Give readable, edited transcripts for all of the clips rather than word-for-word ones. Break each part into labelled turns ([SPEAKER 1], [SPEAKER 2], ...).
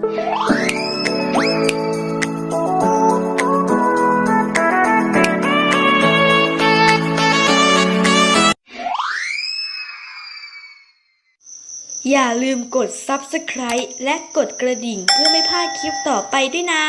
[SPEAKER 1] อย่าลืมกด Subscribe และกดกระดิ่งเพื่อไม่พลาดคลิปต่อไปด้วยนะ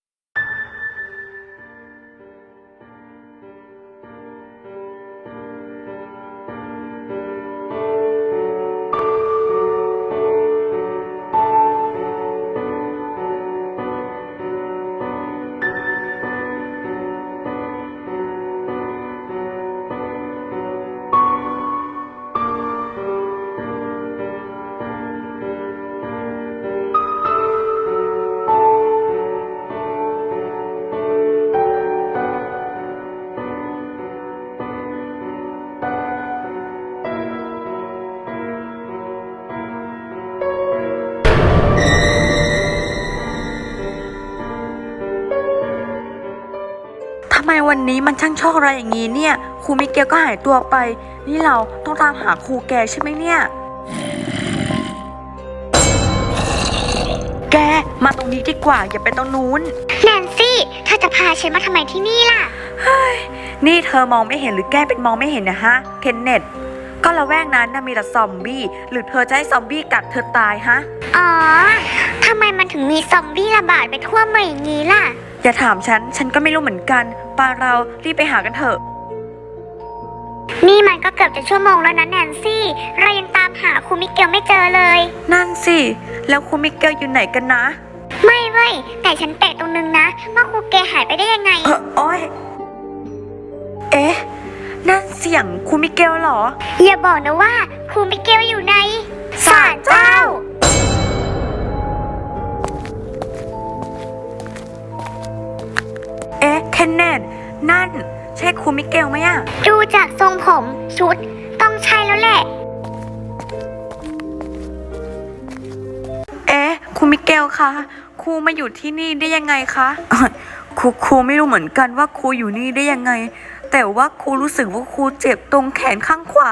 [SPEAKER 2] ทำไมวันนี้มันช่างโชคร้ายอย่างนี้เนี่ยครูมิเกลก็หายตัวไปนี่เราต้องตามหาครูแกใช่ไหมเนี่ยแกมาตรงนี้ดีกว่าอย่าไปตรงนู้น
[SPEAKER 3] แนนซี่เธอจะพาฉันมาทำไมที่นี่ล่ะ
[SPEAKER 2] เฮ้ยนี่เธอมองไม่เห็นหรือแกเป็นมองไม่เห็นนะฮะเคนเนตก็ละแวกนั้นน่ะมีแต่ซอมบี้หรือเธอจะให้ซอมบี้กัดเธอตายฮะ
[SPEAKER 3] อ๋อทำไมมันถึงมีซอมบี้ระบาดไปทั่วเมืองอย่างนี้ล่ะ
[SPEAKER 2] อย่าถามฉันก็ไม่รู้เหมือนกันปาเรารีบไปหากันเถอะ
[SPEAKER 3] นี่มันก็เกือบจะชั่วโมงแล้วนะแนนซี่เรายังตามหาครูมิเกลไม่เจอเลย
[SPEAKER 2] นั่นสิแล้วครูมิเกลอยู่ไหนกันนะ
[SPEAKER 3] ไม่เว้ยแต่ฉันแปลกตรงนึงนะว่าครูเกลหายไปได้ยังไง
[SPEAKER 2] โอ๊ยเอ๊ะนั่นเสียงครูมิเกลเหรอ
[SPEAKER 3] อย่าบอกนะว่าครูมิเกลอยู่ในศาลเจ้า
[SPEAKER 2] เอ๊ะเคนเนตนั่นใช่ครูมิเกลไหมอะ
[SPEAKER 3] ดูจากทรงผมชุดต้องใช่แล้วแหละ
[SPEAKER 2] เอ๊ะครูมิเกลคะครูมาอยู่ที่นี่ได้ยังไงคะครูไม่รู้เหมือนกันว่าครูอยู่นี่ได้ยังไงแต่ว่าครูรู้สึกว่าครูเจ็บตรงแขนข้างขวา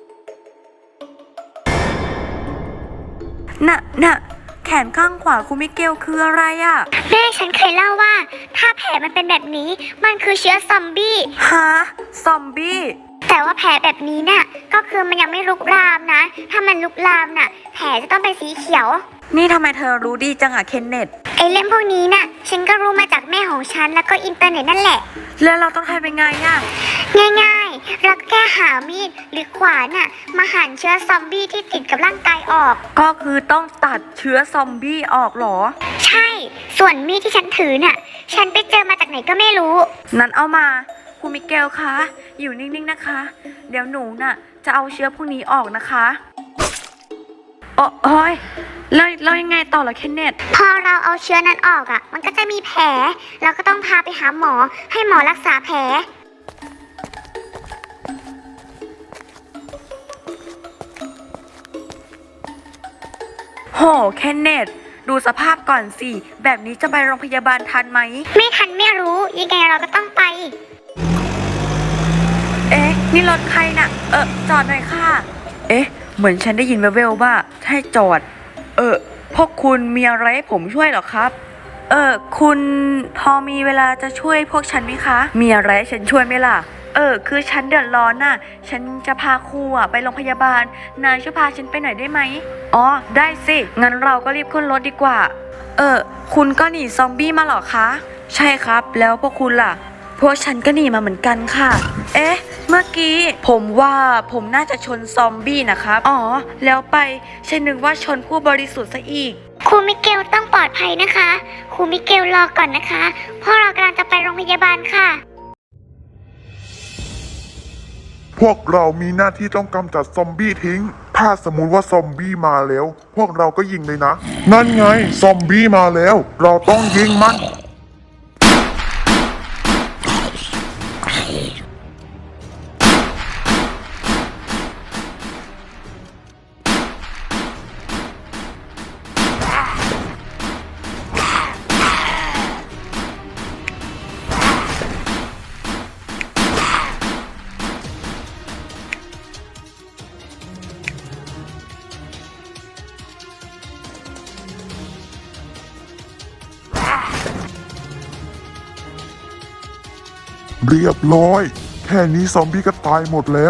[SPEAKER 2] น่ะแขนข้างขวาครูมิเกลคืออะไรอะ
[SPEAKER 3] แม่ฉันเคยเล่าว่าถ้าแผลมันเป็นแบบนี้มันคือเชื้อซอมบี้
[SPEAKER 2] ฮะซอมบี้
[SPEAKER 3] แต่ว่าแผลแบบนี้น่ะก็คือมันยังไม่ลุกลามนะถ้ามันลุกลามน่ะแผลจะต้องเป็นสีเขียว
[SPEAKER 2] นี่ทำไมเธอรู้ดีจังอะเคนเนต
[SPEAKER 3] ไอเล่มพวกนี้น่ะฉันก็รู้มาจากแม่ของฉันแล้วก็อินเทอร์เน็ตนั่นแหละ
[SPEAKER 2] แล้วเราต้องทำยังไงอะ
[SPEAKER 3] ง่ายๆเราแค่หามีดหรือขวานน่ะมาหั่นเชื้อซอมบี้ที่ติดกับร่างกายออก
[SPEAKER 2] ก็คือต้องตัดเชื้อซอมบี้ออกหรอ
[SPEAKER 3] ใช่ส่วนมีดที่ฉันถือน่ะฉันไปเจอมาจากไหนก็ไม่รู้
[SPEAKER 2] นั้นเอามาครูมิเกลคะอยู่นิ่งๆนะคะเดี๋ยวหนูน่ะจะเอาเชื้อพวกนี้ออกนะคะโอ้ยแล้วยังไงต่อล่ะเคนเนต
[SPEAKER 3] พอเราเอาเชื้อนั้นออกอ่ะมันก็จะมีแผลเราก็ต้องพาไปหาหมอให้หมอรักษาแผล
[SPEAKER 2] โหเคนเนตดูสภาพก่อนสิแบบนี้จะไปโรงพยาบาลทันไหม
[SPEAKER 3] ไม่ทันไม่รู้ยังไงเราก็ต้องไป
[SPEAKER 2] เอ๊ะนี่รถใครน่ะจอดหน่อยค่ะเอ๊ะเหมือนฉันได้ยินแว่วๆว่าให้จอดพวกคุณมีอะไรให้ผมช่วยหรอครับคุณพอมีเวลาจะช่วยพวกฉันไหมคะมีอะไรให้ฉันช่วยไหมล่ะคือฉันเดือดร้อนน่ะฉันจะพาครูไปโรงพยาบาลนายช่วยพาฉันไปหน่อยได้ไหมอ๋อได้สิงั้นเราก็รีบขึ้นรถดีกว่าคุณก็หนีซอมบี้มาหรอคะใช่ครับแล้วพวกคุณล่ะพวกฉันก็หนีมาเหมือนกันค่ะเอ๊ะเมื่อกี้ผมว่าผมน่าจะชนซอมบี้นะครับอ๋อแล้วไปฉันนึกว่าชนผู้บริสุทธิ์ซะอีก
[SPEAKER 3] ครูมิเกลต้องปลอดภัยนะคะครูมิเกลรอก่อนนะคะเพราะเรากำลังจะไปโรงพยาบาลค่ะ
[SPEAKER 4] พวกเรามีหน้าที่ต้องกำจัดซอมบี้ทิ้งถ้าสมมุติว่าซอมบี้มาแล้วพวกเราก็ยิงเลยนะนั่นไงซอมบี้มาแล้วเราต้องยิงมันเรียบร้อย แค่นี้ซอมบี้ก็ตายหมดแล้ว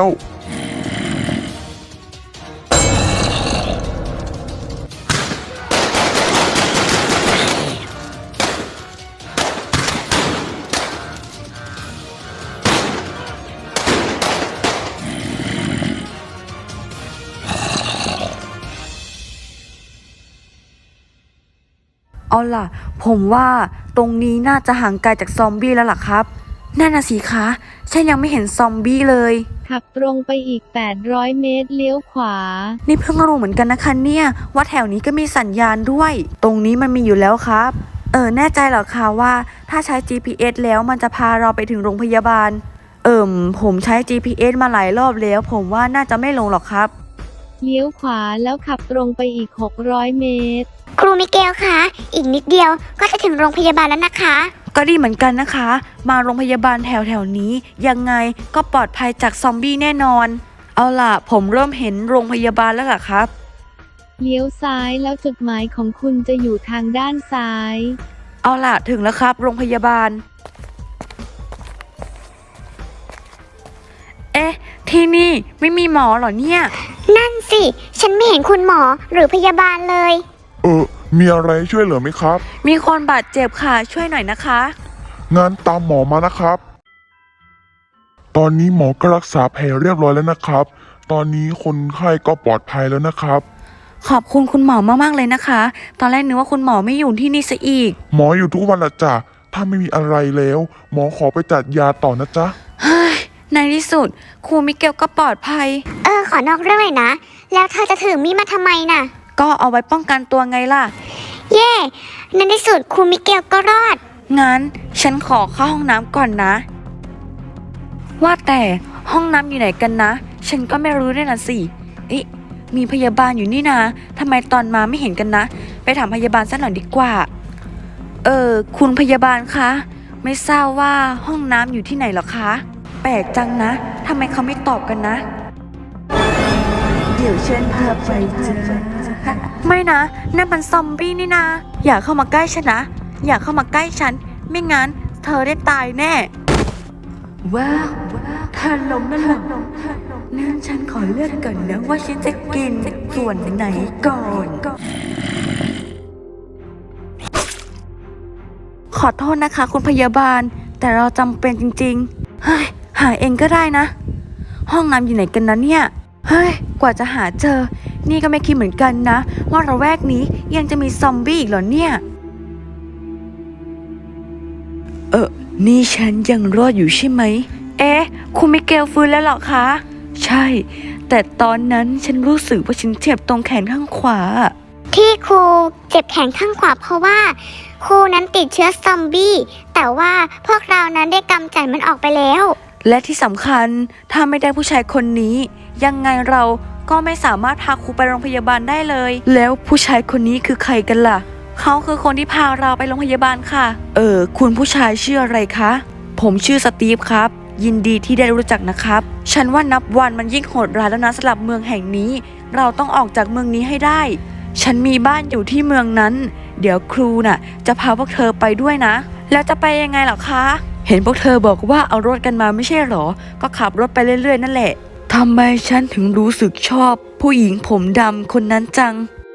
[SPEAKER 2] เอาล่ะ ผมว่าตรงนี้น่าจะห่างไกลจากซอมบี้แล้วล่ะครับนั่นน่ะสิคะฉันยังไม่เห็นซอมบี้เลย
[SPEAKER 5] ขับตรงไปอีก 800 เมตรเลี้ยวขวา
[SPEAKER 2] นี่เพิ่งรู้เหมือนกันนะคะเนี่ยว่าแถวนี้ก็มีสัญญาณด้วย ตรงนี้มันมีอยู่แล้วครับ แน่ใจเหรอคะว่าถ้าใช้ GPS แล้วมันจะพาเราไปถึงโรงพยาบาล ผมใช้ GPS มาหลายรอบแล้ว ผมว่าน่าจะไม่ลงหรอกครับ
[SPEAKER 5] เลี้ยวขวาแล้วขับตรงไปอีก 600 เมตร
[SPEAKER 3] ครูมิเกลคะอีกนิดเดียวก็จะถึงโรงพยาบาลแล้วนะคะ
[SPEAKER 2] ก็ดีเหมือนกันนะคะ มาโรงพยาบาลแถวนี้ยังไงก็ปลอดภัยจากซอมบี้แน่นอน เอาล่ะ ผมเริ่มเห็นโรงพยาบาลแล้วล่ะครับ
[SPEAKER 5] เลี้ยวซ้ายแล้วจุดหมายของคุณจะอยู่ทางด้านซ้าย
[SPEAKER 2] เอาล่ะถึงแล้วครับโรงพยาบาล เอ๊ะ ที่นี่ไม่มีหมอเหรอเนี่ย
[SPEAKER 3] นั่นสิ ฉันไม่เห็นคุณหมอหรือพยาบาลเลย
[SPEAKER 4] มีอะไรช่วยเหลือไหมครับ
[SPEAKER 2] มีคนบาดเจ็บค่ะช่วยหน่อยนะคะ
[SPEAKER 4] งานตามหมอมานะครับ ตอนนี้หมอก็รักษาแผลเรียบร้อยแล้วนะครับ ตอนนี้คนไข้ก็ปลอดภัยแล้วนะครับ
[SPEAKER 2] ขอบคุณคุณหมอมากๆเลยนะคะ ตอนแรกนึกว่าคุณหมอไม่อยู่ที่นี่ซะอีก
[SPEAKER 4] หมออยู่ทุกวันละจ้ะ ถ้าไม่มีอะไรแล้ว หมอขอไปจัดยาต่อนะจ๊ะ
[SPEAKER 2] เฮ้ย ในที่สุดครูมิเกลก็ปลอดภัย
[SPEAKER 3] ขอนอกเรื่องหน่อยนะ แล้วเธอจะถือมีดมาทำไมน่ะ
[SPEAKER 2] ก็เอาไว้ป้องกันตัวไงล่ะ
[SPEAKER 3] เย่ในที่สุดครูมิเกลก็รอด
[SPEAKER 2] งั้นฉันขอเข้าห้องน้ำก่อนนะ ว่าแต่ห้องน้ำอยู่ไหนกันนะ ฉันก็ไม่รู้ด้วยนะสิเอ๊ะมีพยาบาลอยู่นี่นะทำไมตอนมาไม่เห็นกันนะ ไปถามพยาบาลซะหน่อยดีกว่า คุณพยาบาลคะไม่ทราบว่าห้องน้ำอยู่ที่ไหนหรอคะแปลกจังนะทำไมเขาไม่ตอบกันนะ เดี๋ยวเชิญพาไปเจอไม่นะนั่นมันซอมบี้นี่นะอย่าเข้ามาใกล้ฉันนะอย่าเข้ามาใกล้ฉันไม่งั้นเธอได้ตายแน่ว้าวเธอล้มแล้วหรอนั่นฉันขอเลือกก่อนนะว่าฉันจะกินส่วนไหนก่อนขอโทษนะคะคุณพยาบาลแต่เราจำเป็นจริงๆเฮ้ยหาเองก็ได้นะห้องน้ำอยู่ไหนกันนะเนี่ยเฮ้ยกว่าจะหาเจอนี่ก็ไม่คิดเหมือนกันนะว่าระแวกนี้ยังจะมีซอมบี้อีกเหรอเนี่ยนี่ฉันยังรอดอยู่ใช่ไหมเอ๊ะคุณมิเกลฟื้นแล้วเหรอคะใช่แต่ตอนนั้นฉันรู้สึกว่าฉันเจ็บตรงแขนข้างขวา
[SPEAKER 3] ที่ครูเจ็บแขนข้างขวาเพราะว่าครูนั้นติดเชื้อซอมบี้แต่ว่าพวกเรานั้นได้กำจัดมันออกไปแล้ว
[SPEAKER 2] และที่สำคัญถ้าไม่ได้ผู้ชายคนนี้ยังไงเราก็ไม่สามารถพาครูไปโรงพยาบาลได้เลยแล้วผู้ชายคนนี้คือใครกันล่ะเขาคือคนที่พาเราไปโรงพยาบาลค่ะคุณผู้ชายชื่ออะไรคะผมชื่อสตีฟครับยินดีที่ได้รู้จักนะครับฉันว่านับวันมันยิ่งโหดร้ายแล้วนะสำหรับเมืองแห่งนี้เราต้องออกจากเมืองนี้ให้ได้ฉันมีบ้านอยู่ที่เมืองนั้นเดี๋ยวครูน่ะจะพาพวกเธอไปด้วยนะแล้วจะไปยังไงเหรอคะเห็นพวกเธอบอกว่าเอารถกันมาไม่ใช่หรอก็ขับรถไปเรื่อยๆนั่นแหละทำไมฉันถึงรู้สึกชอบผู้หญิงผมดำคนนั้นจัง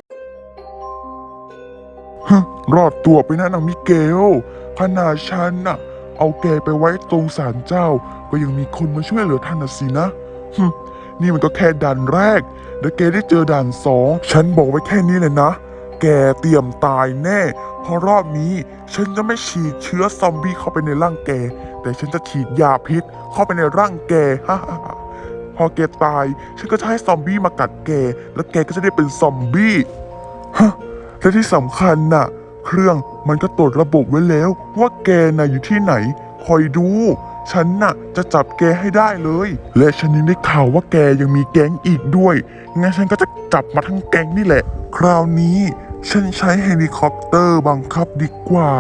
[SPEAKER 4] รอดตัวไปนะนางมิเกลขนาดฉันน่ะ เอาแกไปไว้ตรงศาลเจ้า ก็ยังมีคนมาช่วยเหลือท่านนะสินะนี่มันก็แค่ด่านแรกเดี๋ยวแกได้เจอด่านสองฉันบอกไว้แค่นี้เลยนะ แกเตรียมตายแน่เพราะรอบนี้ฉันจะไม่ฉีดเชื้อซอมบี้เข้าไปในร่างแกแต่ฉันจะฉีดยาพิษเข้าไปในร่างแก พอแกตายฉันก็จะให้ซอมบี้มากัดแกแล้วแกก็จะได้เป็นซอมบี้และที่สำคัญน่ะเครื่องมันก็ตรวจระบบไว้แล้วว่าแกน่ะอยู่ที่ไหนคอยดูฉันน่ะจะจับแกให้ได้เลยและฉันยังได้ข่าวว่าแกยังมีแก๊งอีกด้วยงั้นฉันก็จะจับมาทั้งแก๊งนี่แหละคราวนี้ฉันใช้เฮลิคอปเตอร์บังคับดีกว่า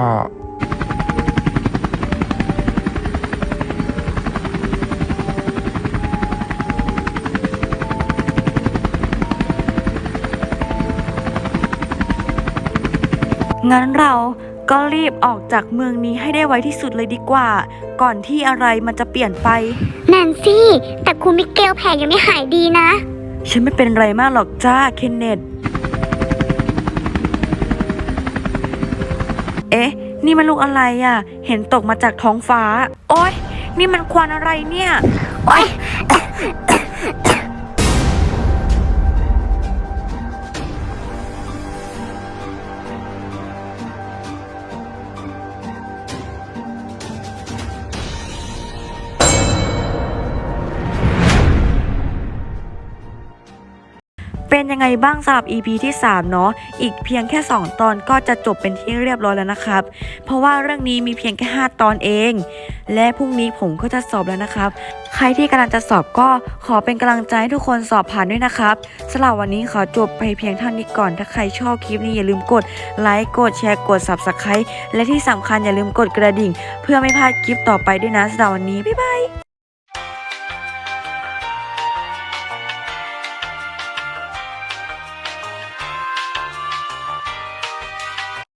[SPEAKER 2] งั้นเราก็รีบออกจากเมืองนี้ให้ได้ไวที่สุดเลยดีกว่า ก่อนที่อะไรมันจะเปลี่ยนไป
[SPEAKER 3] แนนซี่ แต่คุณมิเกลแผลยังไม่หายดีนะ
[SPEAKER 2] ฉันไม่เป็นไรมากหรอกจ้าเคนเนตเอ๊ะ นี่มันลูกอะไรอ่ะ เห็นตกมาจากท้องฟ้า โอ๊ย นี่มันควันอะไรเนี่ย
[SPEAKER 3] โอ๊ย
[SPEAKER 2] เป็นยังไงบ้างสำหรับ EP ที่ 3 เนาะ อีกเพียงแค่ 2 ตอนก็จะจบเป็นที่เรียบร้อยแล้วนะครับ เพราะว่าเรื่องนี้มีเพียงแค่ 5 ตอนเอง และพรุ่งนี้ผมก็จะสอบแล้วนะครับ ใครที่กำลังจะสอบก็ขอเป็นกำลังใจให้ทุกคนสอบผ่านด้วยนะครับสำหรับวันนี้ขอจบไปเพียงเท่านี้ก่อน ถ้าใครชอบคลิปนี้อย่าลืมกดไลค์ กดแชร์ กด Subscribe และที่สำคัญอย่าลืมกดกระดิ่ง เพื่อไม่พลาดคลิปต่อไปด้วยนะสำหรับวันนี้บ๊ายบาย